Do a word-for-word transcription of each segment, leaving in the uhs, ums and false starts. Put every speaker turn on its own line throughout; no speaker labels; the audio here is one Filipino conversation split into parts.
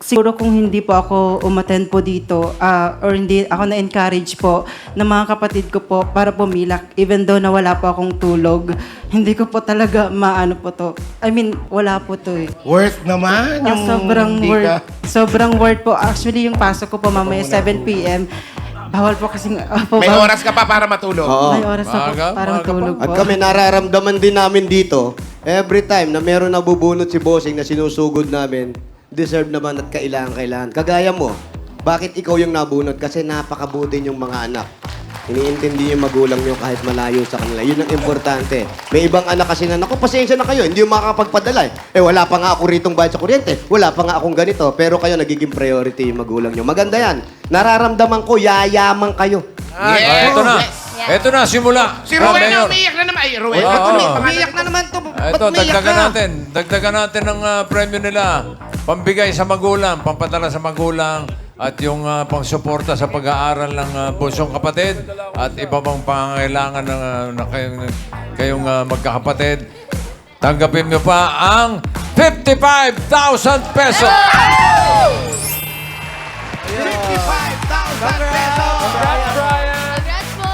siguro kung hindi po ako umattend po dito ah, or hindi ako na-encourage po ng mga kapatid ko po para pumilak even though na wala po akong tulog, hindi ko po talaga maano po to. I mean, wala po to eh.
Worth naman
Ah,
yung
sobrang
hindi
word.
ka...
Sobrang word po. Actually, yung pasok ko po mamaya seven p m Bawal po kasing... ah, po,
May
bawal-
oras ka pa para matulog.
Oo.
May oras na po.
Maaga,
Parang
maaga pa.
tulog po.
At kami nararamdaman din namin dito, every time na meron nabubunot si Bossing na sinusugod namin, deserve naman at kailangan-kailangan. Kagaya mo, bakit ikaw yung nabunot? Kasi napakabuti yung mga anak. Iniintindi yung magulang nyo kahit malayo sa kanila. Yun ang importante. May ibang anak kasi na, naku, pasensya na kayo, hindi yung makakapagpadala. Eh, wala pa nga ako ritong bayad sa kuryente. Wala pa nga akong ganito. Pero kayo, nagiging priority yung magulang nyo. Maganda yan. Nararamdaman ko, yayaman kayo.
Ah,
Yes.
ito na.
Yes.
Ito na, simula.
Si
Ah,
Rowena
Mayor.
umiiyak na naman. Ay, Rowena.
Oo.
Ba't umi-
Oo.
umiiyak na naman to? Ba't
Ito,
umiiyak
dagdagan
ka?
natin. Dagdagan natin ang ah, premyo nila. Pambigay sa magulang, pampadala sa magulang, at yung uh, pangsuporta sa pag-aaral ng uh, bunsong kapatid at iba pang pangangailangan ng, ah, na kayong, kayong ah, magkakapatid. Tanggapin nyo pa ang fifty-five thousand pesos!
fifty-five thousand pesos!
Congrats po!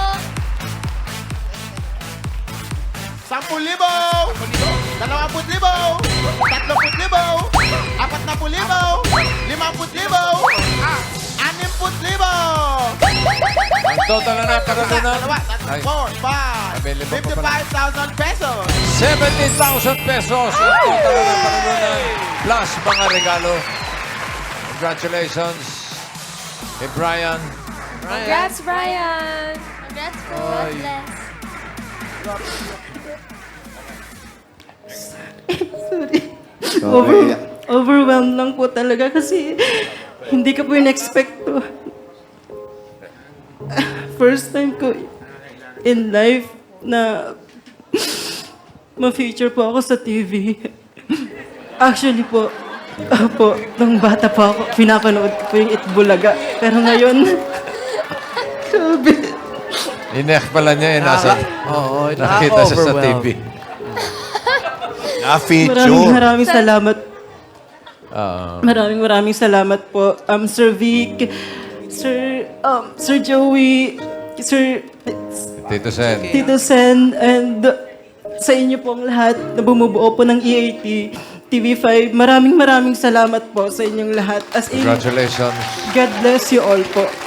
Sampung libo! Dalawamput libo! Tatloput libo! Apat na put libo! Limamput libo! Ah, animput libo!
Ang total na nakaralunan
Dalawa, tatlo,
ay
four, five,
Available pa pala.
fifty-five thousand pesos!
seventy thousand pesos ang total na nakaralunan plus mga regalo. Congratulations kay Brian.
Congrats, Brian! Congrats po! God bless!
Over, overwhelmed lang po talaga kasi hindi ko po in-expect to. First time ko in life na ma-feature po ako sa T V. Actually po, po, nung bata pa ako, pinapanood ko po yung Itbulaga. Pero ngayon, grabe.
Inek pala niya eh, nasa,
Oo,
nakita siya sa T V.
Maraming
Na-feature.
maraming salamat.
Ah,
Maraming maraming salamat po. Um, Sir Vic, Sir, um, Sir Joey, Sir
Tito Sen.
Tito Sen, and sa inyo pong lahat na bumubuo po ng E A T, T V five. Maraming maraming salamat po sa inyong lahat. As in,
Congratulations.
God bless you all po.